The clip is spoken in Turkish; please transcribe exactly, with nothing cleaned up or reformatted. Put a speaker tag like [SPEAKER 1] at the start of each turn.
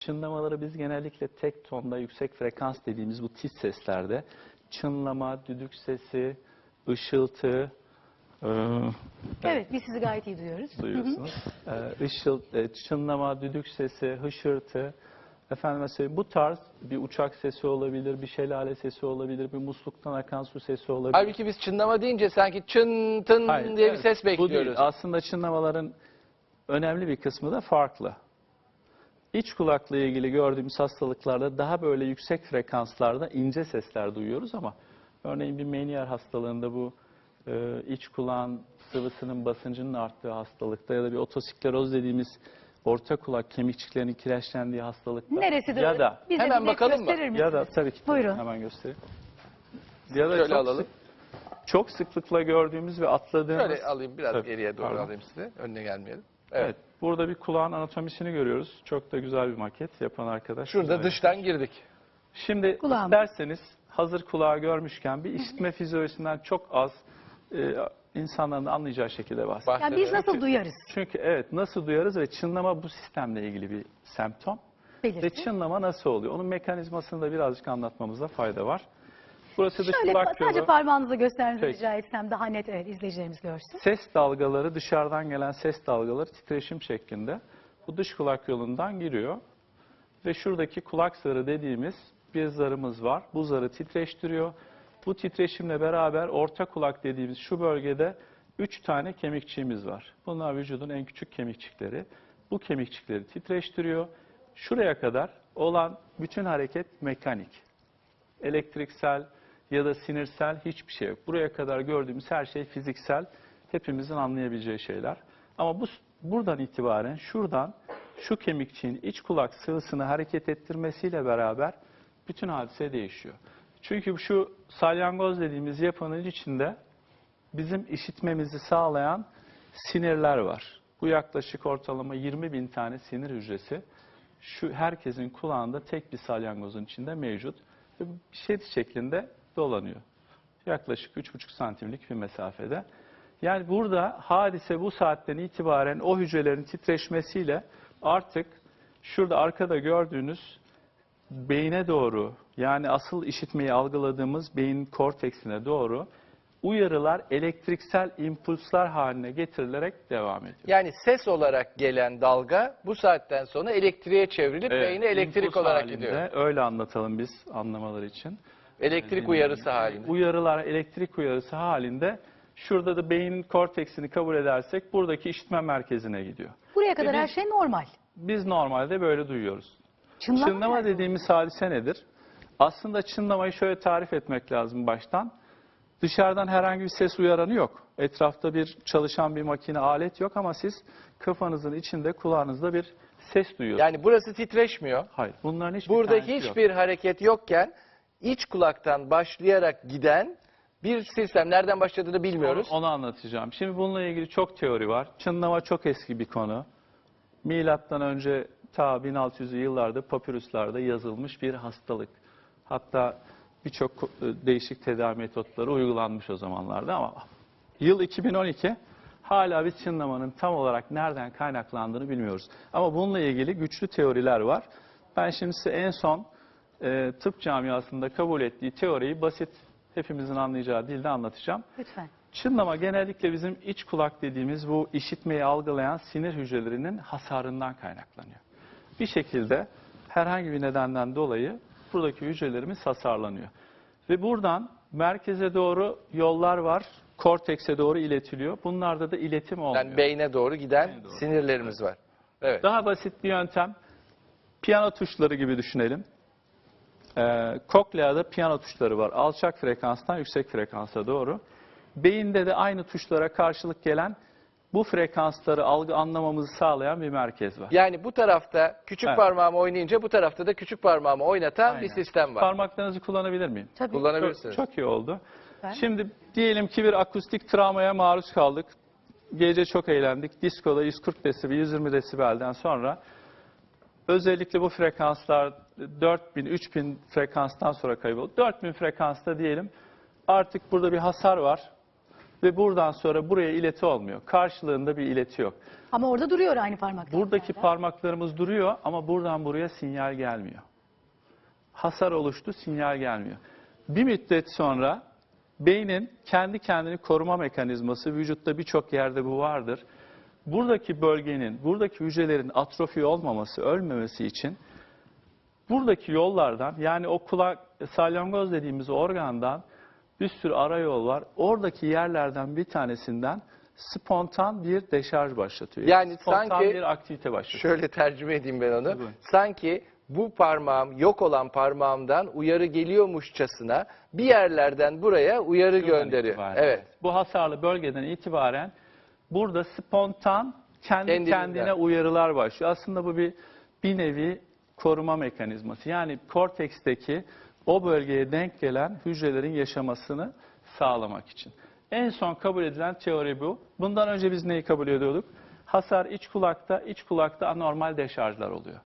[SPEAKER 1] çınlamaları biz genellikle tek tonda yüksek frekans dediğimiz bu tiz seslerde çınlama, düdük sesi, ışıltı, e,
[SPEAKER 2] Evet, biz sizi gayet iyi duyuyoruz.
[SPEAKER 1] duyuyorsunuz. e, ışıl, e, çınlama, düdük sesi, hışırtı, efendim söyleyeyim, bu tarz bir uçak sesi olabilir, bir şelale sesi olabilir, bir musluktan akan su sesi olabilir.
[SPEAKER 3] Halbuki biz çınlama deyince sanki çın tın
[SPEAKER 1] Hayır,
[SPEAKER 3] diye
[SPEAKER 1] evet,
[SPEAKER 3] bir ses
[SPEAKER 1] bu değil.
[SPEAKER 3] bekliyoruz.
[SPEAKER 1] Aslında çınlamaların önemli bir kısmı da farklı. İç kulakla ilgili gördüğümüz hastalıklarda daha böyle yüksek frekanslarda ince sesler duyuyoruz ama örneğin bir Meniere hastalığında bu e, iç kulağın sıvısının basıncının arttığı hastalıkta ya da bir otoskleroz dediğimiz orta kulak kemikçiklerinin kireçlendiği hastalıkta
[SPEAKER 2] Neresidir?
[SPEAKER 1] ya da
[SPEAKER 2] Bize
[SPEAKER 3] Hemen
[SPEAKER 2] bir net
[SPEAKER 3] bakalım mı?
[SPEAKER 2] gösterir misiniz?
[SPEAKER 1] ya da tabii ki
[SPEAKER 2] Buyurun.
[SPEAKER 1] hemen göstereyim. Ya da
[SPEAKER 3] Şöyle
[SPEAKER 1] çok
[SPEAKER 3] alalım.
[SPEAKER 1] sık- çok sıklıkla gördüğümüz ve atladığımız
[SPEAKER 3] Şöyle alayım, biraz
[SPEAKER 1] Tabii,
[SPEAKER 3] geriye doğru
[SPEAKER 1] pardon.
[SPEAKER 3] alayım size. Önüne gelmeyelim.
[SPEAKER 1] Evet.
[SPEAKER 3] Evet.
[SPEAKER 1] Burada bir kulağın anatomisini görüyoruz. Çok da güzel bir maket yapan arkadaş.
[SPEAKER 3] Şurada
[SPEAKER 1] Güzel.
[SPEAKER 3] dıştan girdik.
[SPEAKER 1] Şimdi
[SPEAKER 2] Kulağım.
[SPEAKER 1] isterseniz hazır kulağı görmüşken bir işitme fizyolojisinden çok az e, insanların da anlayacağı şekilde bahsedelim.
[SPEAKER 2] Yani biz nasıl duyarız?
[SPEAKER 1] Çünkü evet, nasıl duyarız ve çınlama bu sistemle ilgili bir semptom. Ve
[SPEAKER 2] Belirti.
[SPEAKER 1] çınlama nasıl oluyor? Onun mekanizmasını da birazcık anlatmamızda fayda var. Burası dış
[SPEAKER 2] Şöyle
[SPEAKER 1] kulak
[SPEAKER 2] sadece
[SPEAKER 1] yolu.
[SPEAKER 2] parmağınızla göstermenizi
[SPEAKER 1] Peki.
[SPEAKER 2] rica etsem daha net, evet, izleyicilerimiz görsün.
[SPEAKER 1] Ses dalgaları, dışarıdan gelen ses dalgaları titreşim şeklinde bu dış kulak yolundan giriyor. Ve şuradaki kulak zarı dediğimiz bir zarımız var. Bu zarı titreştiriyor. Bu titreşimle beraber orta kulak dediğimiz şu bölgede üç tane kemikçiğimiz var. Bunlar vücudun en küçük kemikçikleri. Bu kemikçikleri titreştiriyor. Şuraya kadar olan bütün hareket mekanik. Elektriksel ya da sinirsel hiçbir şey yok. Buraya kadar gördüğümüz her şey fiziksel, hepimizin anlayabileceği şeyler. Ama bu buradan itibaren şuradan şu kemikçiğin iç kulak sıvısını hareket ettirmesiyle beraber bütün hadise değişiyor. Çünkü şu salyangoz dediğimiz yapının içinde bizim işitmemizi sağlayan sinirler var. Bu yaklaşık ortalama yirmi bin tane sinir hücresi şu herkesin kulağında tek bir salyangozun içinde mevcut. Ve şerit şeklinde dolanıyor. Yaklaşık üç buçuk santimlik bir mesafede. Yani burada hadise bu saatten itibaren o hücrelerin titreşmesiyle artık şurada arkada gördüğünüz beyne doğru, yani asıl işitmeyi algıladığımız beyin korteksine doğru uyarılar elektriksel impulslar haline getirilerek devam ediyor.
[SPEAKER 3] Yani ses olarak gelen dalga bu saatten sonra elektriğe çevrilip
[SPEAKER 1] Evet,
[SPEAKER 3] beyne elektrik
[SPEAKER 1] impuls
[SPEAKER 3] olarak
[SPEAKER 1] halinde,
[SPEAKER 3] gidiyor.
[SPEAKER 1] öyle anlatalım biz anlamaları için.
[SPEAKER 3] Elektrik uyarısı halinde.
[SPEAKER 1] Uyarılar elektrik uyarısı halinde şurada da beynin korteksini kabul edersek buradaki işitme merkezine gidiyor.
[SPEAKER 2] Buraya kadar
[SPEAKER 1] Ve
[SPEAKER 2] her
[SPEAKER 1] biz-
[SPEAKER 2] şey normal.
[SPEAKER 1] Biz normalde böyle duyuyoruz.
[SPEAKER 2] Çınlama,
[SPEAKER 1] Çınlama
[SPEAKER 2] nerede?
[SPEAKER 1] dediğimiz hadise nedir? Aslında çınlamayı şöyle tarif etmek lazım baştan. Dışarıdan herhangi bir ses uyaranı yok. Etrafta bir çalışan bir makine, alet yok ama siz kafanızın içinde, kulağınızda bir ses duyuyorsunuz.
[SPEAKER 3] Yani burası titreşmiyor.
[SPEAKER 1] Hayır, bunların hiçbir
[SPEAKER 3] Burada
[SPEAKER 1] tanesi yok.
[SPEAKER 3] hiçbir hareket yokken iç kulaktan başlayarak giden bir sistem. Nereden başladığını bilmiyoruz.
[SPEAKER 1] Onu, onu anlatacağım. Şimdi bununla ilgili çok teori var. Çınlama çok eski bir konu. Milattan önce ta bin altı yüzlü yıllarda papirüslerde yazılmış bir hastalık. Hatta birçok değişik tedavi metotları uygulanmış o zamanlarda ama yıl iki bin on iki hala biz çınlamanın tam olarak nereden kaynaklandığını bilmiyoruz. Ama bununla ilgili güçlü teoriler var. Ben şimdi size en son e, tıp camiasında kabul ettiği teoriyi basit, hepimizin anlayacağı dilde anlatacağım.
[SPEAKER 2] Lütfen.
[SPEAKER 1] Çınlama genellikle bizim iç kulak dediğimiz bu işitmeyi algılayan sinir hücrelerinin hasarından kaynaklanıyor. Bir şekilde herhangi bir nedenden dolayı buradaki hücrelerimiz hasarlanıyor. Ve buradan merkeze doğru yollar var, kortekse doğru iletiliyor. Bunlarda da iletim olmuyor.
[SPEAKER 3] Yani beyne doğru giden
[SPEAKER 1] Beyne doğru.
[SPEAKER 3] sinirlerimiz var. Evet.
[SPEAKER 1] Daha basit bir yöntem, piyano tuşları gibi düşünelim. Ee, kokleada piyano tuşları var. Alçak frekanstan yüksek frekansa doğru. Beyinde de aynı tuşlara karşılık gelen bu frekansları algı anlamamızı sağlayan bir merkez var.
[SPEAKER 3] Yani bu tarafta küçük
[SPEAKER 1] Evet.
[SPEAKER 3] parmağımı oynayınca bu tarafta da küçük parmağımı oynatan
[SPEAKER 1] Aynen.
[SPEAKER 3] bir sistem var.
[SPEAKER 1] Parmaklarınızı kullanabilir miyim?
[SPEAKER 2] Tabii.
[SPEAKER 3] Kullanabilirsiniz.
[SPEAKER 1] Çok, çok iyi oldu.
[SPEAKER 2] Ben-
[SPEAKER 1] Şimdi diyelim ki bir akustik travmaya maruz kaldık. Gece çok eğlendik. Diskoda yüz kırk desibel, yüz yirmi desibelden sonra özellikle bu frekanslar dört bin, üç bin frekanstan sonra kayboldu. dört bin frekansta diyelim artık burada bir hasar var. ve buradan sonra buraya ileti olmuyor. Karşılığında bir ileti yok.
[SPEAKER 2] Ama orada duruyor aynı parmaklar.
[SPEAKER 1] Buradaki parmaklarımız duruyor ama buradan buraya sinyal gelmiyor. Hasar oluştu, sinyal gelmiyor. Bir müddet sonra beynin kendi kendini koruma mekanizması, vücutta birçok yerde bu vardır. Buradaki bölgenin, buradaki hücrelerin atrofi olmaması, ölmemesi için buradaki yollardan, yani o kulak, salyangoz dediğimiz organdan bir sürü ara yol var. Oradaki yerlerden bir tanesinden spontan bir deşarj başlatıyor.
[SPEAKER 3] Yani
[SPEAKER 1] spontan
[SPEAKER 3] sanki
[SPEAKER 1] bir aktivite başlatıyor.
[SPEAKER 3] şöyle tercüme edeyim ben onu.
[SPEAKER 1] Tabii.
[SPEAKER 3] Sanki bu parmağım, yok olan parmağımdan uyarı geliyormuşçasına bir yerlerden buraya uyarı
[SPEAKER 1] Şuradan
[SPEAKER 3] gönderiyor.
[SPEAKER 1] itibaren.
[SPEAKER 3] Evet.
[SPEAKER 1] Bu hasarlı bölgeden itibaren burada spontan kendi
[SPEAKER 3] Kendiliğinden.
[SPEAKER 1] kendine uyarılar başlıyor. Aslında bu bir bir nevi koruma mekanizması. Yani korteksteki o bölgeye denk gelen hücrelerin yaşamasını sağlamak için. En son kabul edilen teori bu. Bundan önce biz neyi kabul ediyorduk? Hasar iç kulakta, iç kulakta anormal deşarjlar oluyor.